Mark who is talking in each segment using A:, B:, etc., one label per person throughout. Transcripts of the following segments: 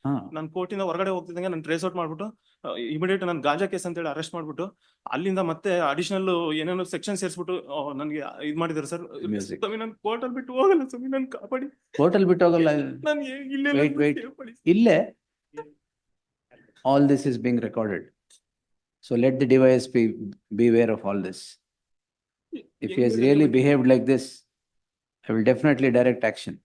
A: ಹಾ
B: ನಾನು ಕೋರ್ಟಿಂದ ಹೊರಗಡೆ ಹೋಗ್ತಿದ್ದಂಗೆ ನಾನು ಟ್ರೇಸ್ ಔಟ್ ಮಾಡ್ಬಿಟ್ಟು ಇಮಿಡಿಯೇಟ್ ನಾನು ಗಾಂಜಾ ಕೇಸ್ ಅಂತ ಹೇಳಿ ಅರೆಸ್ಟ್ ಮಾಡ್ಬಿಟ್ಟು ಅಲ್ಲಿಂದ ಮತ್ತೆ ಅಡಿಷನಲ್ ಏನೇನೋ ಸೆಕ್ಷನ್ ಸೇರಿಸ್ಬಿಟ್ಟು ನನಗೆ ಇದು ಮಾಡಿದ್ದಾರೆ ಸರ್.
A: Music.
B: ಸ್ವಾಮಿ ನಾನು ಕೋರ್ಟಲ್ಲಿ ಬಿಟ್ಟು ಹೋಗಲ್ಲ ಸ್ವಾಮಿ, ನಾನು ಕಾಪಾಡಿ.
A: ಹೋಟೆಲ್ ಬಿಟ್ಟು ಹೋಗಲ್ಲ.
B: ನಾನು ಇಲ್ಲೇ
A: Wait, wait. ಇಲ್ಲೇ all this is being recorded. So let the device be aware of all this. If he has really behaved like this, I will definitely direct action.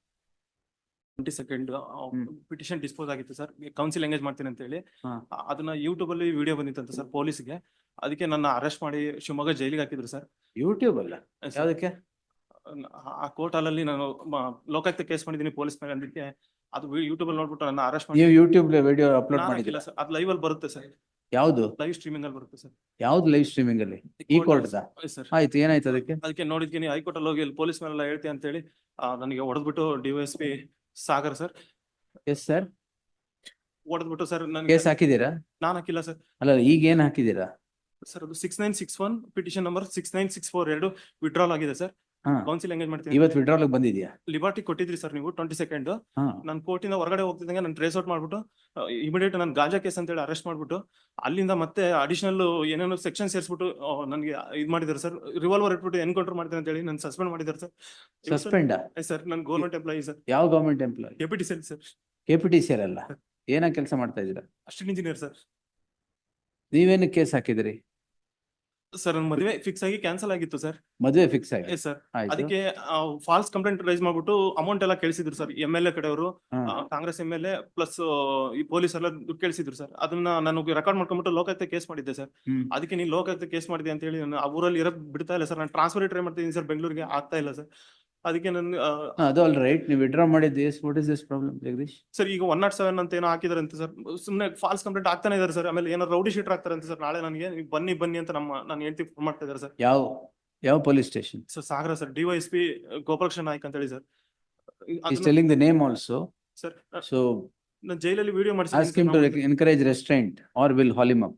B: 22nd petition dispose ಆಗಿತ್ತು sir, council engage ಮಾಡ್ತೀನಿ ಅಂತ ಹೇಳಿ.
A: ಹಾ.
B: ಅದನ್ನ YouTube ಅಲ್ಲಿ video ಬಂದಿತ್ತಂತ sir ಪೊಲೀಸ್ಗೆ. ಅದಕ್ಕೆ ನನ್ನ arrest ಮಾಡಿ ಶಿವಮೊಗ್ಗ ಜೈಲಿಗೆ ಹಾಕಿದ್ರು ಸರ್.
A: ಯೂಟ್ಯೂಬ್ ಅಲ್ಲ, ಯಾವ್ದಕ್ಕೆ?
B: ಆ ಕೋರ್ಟ್ ಅಲ್ಲಿ ನಾನು ಲೋಕಾಯುಕ್ತ ಕೇಸ್ ಮಾಡಿದ್ದೀನಿ ಪೊಲೀಸ್ ಮೇಲೆ ಅಂದಿಕ್ಕೆ ಅದು ಯೂಟ್ಯೂಬ್ ಅಲ್ಲಿ ನೋಡ್ಬಿಟ್ಟು ನನ್ನ ಅರೆಸ್ಟ್ ಮಾಡಿ.
A: ನೀವು ಯೂಟ್ಯೂಬ್ ವಿಡಿಯೋ ಅಪ್ಲೋಡ್
B: ನಾನು
A: ಮಾಡಿದಿಲ್ಲ
B: ಹಾಕಿಲ್ಲ ಸರ್, ಅದು ಲೈವ್ ಅಲ್ಲಿ ಬರುತ್ತೆ ಸರ್,
A: ಯಾವ್ದು?
B: ಲೈವ್ ಸ್ಟ್ರೀಮಿಂಗ್ ಅಲ್ಲಿ ಬರುತ್ತೆ ಸರ್.
A: ಯಾವ್ದು ಲೈವ್ ಸ್ಟ್ರೀಮಿಂಗ್ ಅಲ್ಲಿ? ಈ ಕೋರ್ಟ್
B: ಸರ್
A: ಆಯ್ತು, ಏನಾಯ್ತು ಅದಕ್ಕೆ?
B: ಅದಕ್ಕೆ ನೋಡಿದ್ತೀನಿ ಹೈಕೋರ್ಟ್ ಅಲ್ಲಿ ಹೋಗಿ ಪೊಲೀಸ್ ಮೇಲೆಲ್ಲ ಹೇಳ್ತಿ ಅಂತ ಹೇಳಿ ನನಗೆ ಹೊಡೆದ್ಬಿಟ್ಟು DYSP Sagar sir
A: yes sir
B: ಹೊಡೆದ್ಬಿಟ್ಟು ಸರ್ ನನಗೆ.
A: ಕೇಸ್ ಹಾಕಿದೀರಾ?
B: ನಾನು ಹಾಕಿಲ್ಲ ಸರ್.
A: ಅಲ್ಲ, ಈಗ ಏನ್ ಹಾಕಿದೀರಾ?
B: ಸರ್ ಅದು 6961 ಪಿಟಿಷನ್ ನಂಬರ್ 69642 ವಿಡ್ರಾಲ್ ಆಗಿದೆ ಸರ್.
A: ಹಾ,
B: ಕೌನ್ಸಿಲ್ ಎಂಗೇಜ್ ಮಾಡ್ತೀನಿ.
A: ಇವತ್ತು ವಿಡ್ರಾಲ್ ಬಂದಿದ್ಯಾ?
B: ಲಿಬರ್ಟಿ ಕೊಟ್ಟಿದ್ರಿ ಸರ್ ನೀವು 22nd.
A: ಹಾ,
B: ನಾನು ಕೋರ್ಟಿಂದ ಹೊರಗಡೆ ಹೋಗ್ತಿದ್ದಂಗೆ ನಾನು ಟ್ರೇಸ್ ಔಟ್ ಮಾಡ್ಬಿಟ್ಟು ಇಮಿಡಿಯೇಟ್ ನಾನು ಗಾಂಜಾ ಕೇಸ್ ಅಂತ ಹೇಳಿ ಅರೆಸ್ಟ್ ಮಾಡ್ಬಿಟ್ಟು ಅಲ್ಲಿಂದ ಮತ್ತೆ ಅಡಿಷನಲ್ ಏನೇನೋ ಸೆಕ್ಷನ್ ಸೇರಿಸ್ಬಿಟ್ಟು ನನಗೆ ಇದು ಮಾಡಿದ್ದಾರೆ ಸರ್. ರಿವಾಲ್ವರ್ ಇಟ್ಬಿಟ್ಟು ಎನ್ಕೌಂಟರ್ ಮಾಡ್ತೀನಿ ಅಂತ ಹೇಳಿ ನಾನು ಸಸ್ಪೆಂಡ್ ಮಾಡಿದ್ದಾರೆ ಸರ್.
A: ಸಸ್ಪೆಂಡ್?
B: ಸರ್ ನಾನು ಗೌರ್ಮೆಂಟ್ ಎಂಪ್ಲಾಯಿ ಸರ್.
A: ಯಾವ ಗವರ್ಮೆಂಟ್ ಎಂಪ್ಲಾಯ್?
B: KPTCL ಸರ್.
A: KPTCL ಅಲ್ಲ, ಏನ ಕೆಲಸ ಮಾಡ್ತಾ ಇದ್ದೀರಾ?
B: Assistant engineer sir.
A: ನೀವೇನು ಕೇಸ್ ಹಾಕಿದಿರಿ?
B: ಸರ್ ನನ್ನ ಮದುವೆ ಫಿಕ್ಸ್ ಆಗಿ ಕ್ಯಾನ್ಸಲ್ ಆಗಿತ್ತು ಸರ್.
A: ಮದುವೆ ಫಿಕ್ಸ್ ಆಗಿ?
B: ಸರ್
A: ಆಯ್ತು.
B: ಅದಕ್ಕೆ ಫಾಲ್ಸ್ ಕಂಪ್ಲೇಂಟ್ ರೈಸ್ ಮಾಡ್ಬಿಟ್ಟು ಅಮೌಂಟ್ ಎಲ್ಲ ಕೇಳಿಸಿದ್ರು ಸರ್. MLA ಕಡೆಯವರು,
A: ಹಾ.
B: ಕಾಂಗ್ರೆಸ್ MLA ಪ್ಲಸ್ ಈ ಪೊಲೀಸ್ ಎಲ್ಲ ದುಡ್ಡು ಕೇಳಿಸಿದ್ರು ಸರ್. ಅದನ್ನ ನಾನು ರೆಕಾರ್ಡ್ ಮಾಡ್ಕೊಂಡ್ಬಿಟ್ಟು ಲೋಕಾಯುಕ್ತ ಕೇಸ್ ಮಾಡಿದ್ದೆ ಸರ್.
A: ಹ್ಮ್.
B: ಅದಕ್ಕೆ ನೀನು ಲೋಕಾಯುಕ್ತ ಕೇಸ್ ಮಾಡಿದೆ ಅಂತ ಹೇಳಿ ನಾನು ಆ ಊರಲ್ಲಿ ಇರಕ್ ಬಿಡ್ತಾ ಇಲ್ಲ ಸರ್. ನಾನು ಟ್ರಾನ್ಸ್ಫರ್ ಟ್ರೈ ಮಾಡ್ತಿದ್ದೀನಿ ಸರ್, ಬೆಂಗಳೂರಿಗೆ ಆಗ್ತಾ ಇಲ್ಲ ಸರ್. ಅದಕ್ಕೆ ನಾನು
A: ಅದು ಆಲ್ ರೈಟ್, ನೀವು ವಿಡ್ರಾ ಮಾಡಿದ್ದು. What is this problem Jagdish?
B: Sir ಈಗ 107 ಅಂತ ಏನೋ ಹಾಕಿದಾರೆ ಅಂತ ಸರ್. ಸುಮ್ಮನೆ ಫಾಲ್ಸ್ ಕಂಪ್ಲೇಂಟ್ ಆಗ್ತಾನೆ ಇದಾರೆ ಸರ್. ಆಮೇಲೆ ಏನೋ ರೌಡಿ ಶೀಟರ್ ಆಗ್ತಾರೆ ಅಂತ ಸರ್. ನಾಳೆ ನನಗೆ ಬನ್ನಿ ಅಂತ ನಾನು ಹೇಳ್ತಿ ಫೋನ್ ಮಾಡ್ತಾ ಇದ್ದಾರೆ ಸರ್.
A: ಯಾವ police station?
B: Sir Sagar sir, DYSP Gopalakrishna Naik ಅಂತ ಹೇಳಿ sir.
A: He's telling the name also.
B: Sir
A: So
B: ನಾನು ಜೈಲಲ್ಲಿ video
A: ask him to encourage restraint or will haul him up.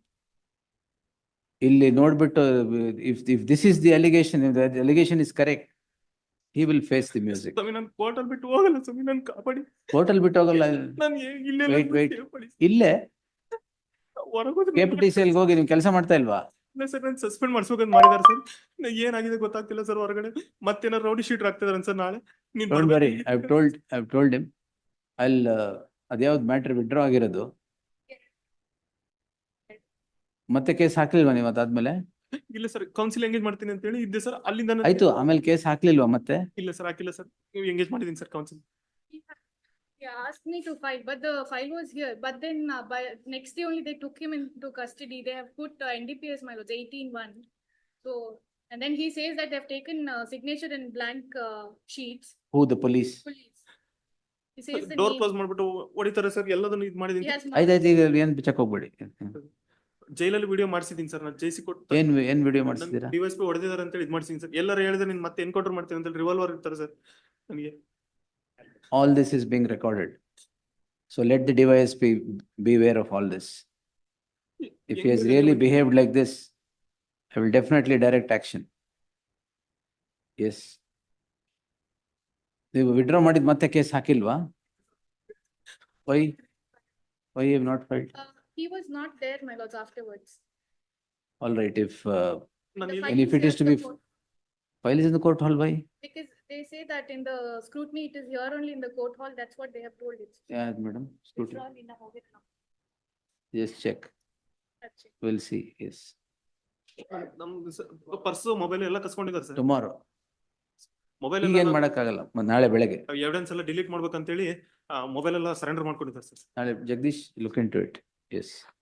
A: ಇಲ್ಲಿ ನೋಡ್ಬಿಟ್ಟು if this is the allegation, if the allegation is correct, he will face the music.
B: ಸ್ವಾಮಿ ನಾನು ಕೋರ್ಟಲ್ಲಿ ಬಿಟ್ಟು ಹೋಗಲ್ಲ ಸ್ವಾಮಿ, ನಾನು ಕಾಪಾಡಿ.
A: ಹೋಟೆಲ್ ಬಿಟ್ಟು ಹೋಗಲ್ಲ.
B: ನಾನು ಇಲ್ಲೇ
A: Wait. ಇಲ್ಲೇ KPTCL ಹೋಗಿ ನೀವು ಕೆಲಸ ಮಾಡ್ತಾ ಇಲ್ವಾ?
B: ಇಲ್ಲ ಸರ್, ನಾನು ಸಸ್ಪೆಂಡ್ ಮಾಡ್ಸ್ಬೇಕಂತ ಮಾಡಿದಾರೆ ಸರ್. ಏನಾಗಿದೆ ಗೊತ್ತಾಗ್ತಿಲ್ಲ ಸರ್. ಹೊರಗಡೆ ಮತ್ತೇನೋ ರೌಡಿ ಶೀಟರ್ ಆಗ್ತಿದಾರೆ ಸರ್. ನಾಳೆ
A: Don't worry, I've told him. ಅದ್ಯಾವ್ದು ಮ್ಯಾಟ್ರ್ ವಿಡ್ರಾ ಆಗಿರೋದು? ಮತ್ತೆ ಕೇಸ್ ಹಾಕ್ಲಿಲ್ವಾ ನೀವು ಅದಾದ್ಮೇಲೆ?
B: ಇಲ್ಲ ಸರ್, ಕೌನ್ಸಿಲ್ ಎಂಗೇಜ್ ಮಾಡ್ತೀನಿ ಅಂತ ಹೇಳಿ ಇದ್ದೆ ಸರ್. ಅಲ್ಲಿಂದ
A: ಆಯ್ತು, ಆಮೇಲೆ ಕೇಸ್ ಹಾಕ್ಲಿಲ್ವಾ ಮತ್ತೆ?
B: ಇಲ್ಲ ಸರ್, ಹಾಕಿಲ್ಲ ಸರ್. ನೀವು ಎಂಗೇಜ್ ಮಾಡಿದೀನಿ sir council.
C: He asked me to file, but the file was here. But then by next day only they took him into custody. They have put NDPS my lords 18-1. So and then he says that they have taken signature in blank sheets.
A: Who, the police?
C: Police. He says the
B: door
C: name.
B: Close ಮಾಡ್ಬಿಟ್ಟು ಹೊಡಿತಾರೆ sir. ಎಲ್ಲದನ್ನು ಇದು
C: He
B: ಮಾಡಿದೀನಿ.
C: has
A: ಆಯ್ತಾಯ್ತು, ಈಗ ಏನ್ ಬಿಚ್ಚಕ್ ಹೋಗ್ಬೇಡಿ.
B: ಜೈಲಲ್ಲಿ ವಿಡಿಯೋ ಮಾಡಿಸಿದೀನಿ ಸರ್. ನಾನು ಜೈಸಿ ಕೊಟ್ಟು
A: ಏನ್ ವಿಡಿಯೋ ಮಾಡಿಸಿದೀರಾ?
B: DYSP ಹೊಡೆದಿದ್ದಾರೆ ಅಂತ ಹೇಳಿ ಇದು ಮಾಡಿಸಿದೀನಿ ಸರ್. ಎಲ್ಲರೂ ಹೇಳಿದ್ರೆ ನೀನ್ ಮತ್ತೆ ಎನ್ಕೌಂಟರ್ ಮಾಡ್ತೀನಿ ಅಂತ ಹೇಳಿ ರಿವಾಲ್ವರ್ ಇರ್ತಾರೆ ಸರ್ ನನಗೆ.
A: All this is being recorded. So let the device be aware of all this. If he has really behaved like this, I will definitely direct action. Yes. ನೀವು ವಿಡ್ರಾ ಮಾಡಿದ ಮತ್ತೆ case ಹಾಕಿಲ್ವಾ? Why you have not filed?
C: he was not there my lords afterwards.
A: All right, if
B: ನಾನು
C: The
B: ಈಗ-
C: file
A: And if it
C: here
A: is to
C: in the
A: be-
C: court.
A: file is in the court hall, why?
C: Because they say that in the scrutiny it is here only in the court hall. That's what they have told it.
A: Yeah, madam, scrutiny.
C: Withdrawn in the hoget now.
A: Just check.
C: That's it.
A: We'll see, yes.
B: ನಮ್ದು purse mobile ಎಲ್ಲ ಕಸ್ಕೊಂಡಿದ್ದಾರೆ sir.
A: Tomorrow.
B: Mobile
A: ಈಗ ಏನ್ ಮಾಡಕ್ಕಾಗಲ್ಲ, ನಾಳೆ ಬೆಳಗ್ಗೆ.
B: Evidence ಎಲ್ಲ delete ಮಾಡ್ಬೇಕಂತೇಳಿ ಮೊಬೈಲ್ ಎಲ್ಲ ಸರೆಂಡರ್ ಮಾಡ್ಕೊಂಡಿದ್ದಾರೆ ಸರ್.
A: ನಾಳೆ Jagdish look into it. Yes.